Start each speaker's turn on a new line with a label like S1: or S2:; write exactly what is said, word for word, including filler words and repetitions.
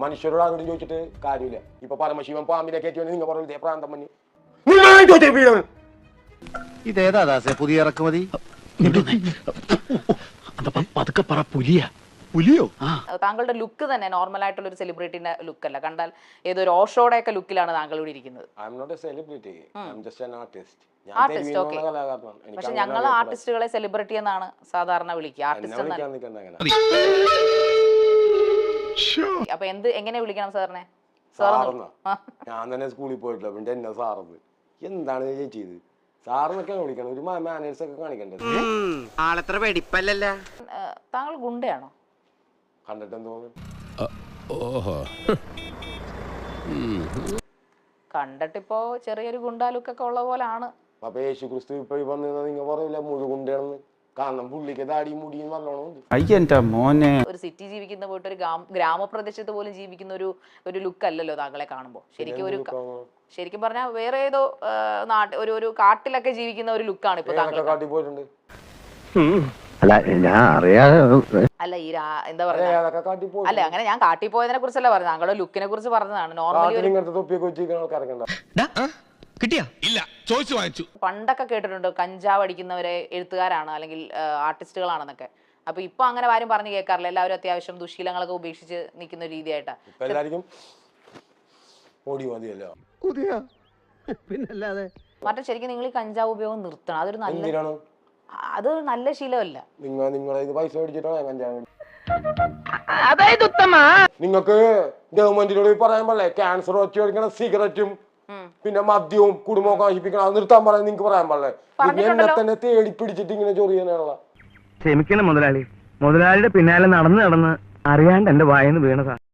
S1: മനുഷ്യരോട് ആരോടും ചോദിച്ചിട്ട് കാര്യമില്ല. ഇപ്പൊ പരമശിവൻ പാമ്പിനെ കയറ്റി നിങ്ങൾ പറഞ്ഞു ഇതേ പ്രാന്തം മഞ്ഞ്
S2: ഇതേതാ ദാസേ പുതിയ ഇറക്കുമതി?
S3: പതുക്കെ പറ പുലിയ
S2: പുലിയോ?
S4: താങ്കളുടെ ലുക്ക് തന്നെ നോർമൽ ആയിട്ടുള്ള ഒരു സെലിബ്രിറ്റിന്റെ ലുക്ക് അല്ല. കണ്ടാൽ ഏതൊരു ഓഷോയുടെ ഒക്കെ ലുക്കിലാണ് താങ്കൾ ഇവിടെ ഇരിക്കുന്നത്. Artist okay. പക്ഷെ ഞങ്ങൾ ആർട്ടിസ്റ്റുകളെ സെലിബ്രിറ്റി എന്നാണ് സാധാരണ വിളിക്കുക. ആർട്ടിസ്റ്റ് അപ്പൊ എന്ത് എങ്ങനെ വിളിക്കണം സാറിനെ?
S1: ഞാൻ തന്നെ സ്കൂളിൽ പോയിട്ടില്ല, പിന്നെ എന്നെ സാറത് എന്താണ് ചെയ്ത് സാറെന്നൊക്കെയാണ് വിളിക്കണം. ഒരു മാനേഴ്സ് ഒക്കെ കാണിക്കണ്ടേ?
S5: ആളത്ര വെടിപ്പല്ലല്ല.
S4: താങ്കൾ ഗുണ്ടയാണോ?
S1: കണ്ടിട്ട് തോന്നുന്നു
S4: കണ്ടിട്ടിപ്പോ ചെറിയൊരു ഗുണ്ടാ ലുക്കൊക്കെ ഉള്ള പോലാണ്.
S1: അപ്പൊ യേശു ക്രിസ്തു ഇപ്പൊ വന്ന് നിങ്ങൾ പറയില്ല മുഴു ഗുണ്ടയാണെന്ന്. കാരണം പുള്ളിക്ക് ദാടി മുടിയും നല്ലോണം.
S4: ഒരു സിറ്റി ജീവിക്കുന്ന പോയിട്ട് ഒരു ഗ്രാമപ്രദേശത്ത് പോലും ജീവിക്കുന്ന ഒരു ഒരു ലുക്ക് അല്ലല്ലോ താങ്കളെ കാണുമ്പോ. ശരിക്കും ഒരു ശരിക്കും പറഞ്ഞാൽ വേറെ ഏതോ നാട്ട് ഒരു ഒരു കാട്ടിലൊക്കെ ജീവിക്കുന്ന ഒരു ലുക്കാണ് ഇപ്പൊ താങ്കൾ.
S1: കാട്ടി പോയിട്ടുണ്ട്.
S2: അല്ല ഞാൻ അറിയാതെ
S4: അല്ല ഈ എന്താ പറയാ അല്ല അങ്ങനെ ഞാൻ കാട്ടി പോയതിനെ കുറിച്ചല്ല പറഞ്ഞത്, താങ്കളുടെ ലുക്കിനെ കുറിച്ച് പറഞ്ഞതാണ്. നോർമലി പണ്ടൊക്കെ കേട്ടിട്ടുണ്ട് കഞ്ചാവ് അടിക്കുന്നവരെ എഴുത്തുകാരാണ് അല്ലെങ്കിൽ ആർട്ടിസ്റ്റുകളാണെന്നൊക്കെ. അപ്പൊ ഇപ്പൊ അങ്ങനെ ആരും പറഞ്ഞു കേൾക്കാറില്ല. എല്ലാവരും അത്യാവശ്യം ദുശീലങ്ങളൊക്കെ ഉപേക്ഷിച്ച് നിൽക്കുന്ന രീതിയായിട്ടാ. മറ്റേ ശരിക്കും നിങ്ങൾ ഈ കഞ്ചാവ് ഉപയോഗം നിർത്തണം. അതൊരു നല്ല അത് നല്ല ശീലമല്ല.
S1: നിങ്ങൾക്ക് ഗവൺമെന്റിനോട് പറയാൻ പാടില്ലേ ക്യാൻസർ വെച്ച് കഴിക്കണം സിഗരറ്റും പിന്നെ മദ്യവും കുടുംബമൊക്കെ നശിപ്പിക്കണം, അത് നിർത്താൻ പറയാൻ നിങ്ങൾക്ക് പറയാൻ പാടില്ലേ? എന്നെ തന്നെ തേടി പിടിച്ചിട്ട് ഇങ്ങനെ ചൊറിയാനുള്ള.
S6: ക്ഷമിക്കണം മുതലാളി, മുതലാളിയുടെ പിന്നാലെ നടന്ന് നടന്ന് അറിയാണ്ട് എന്റെ വായന്ന് വീണതാ.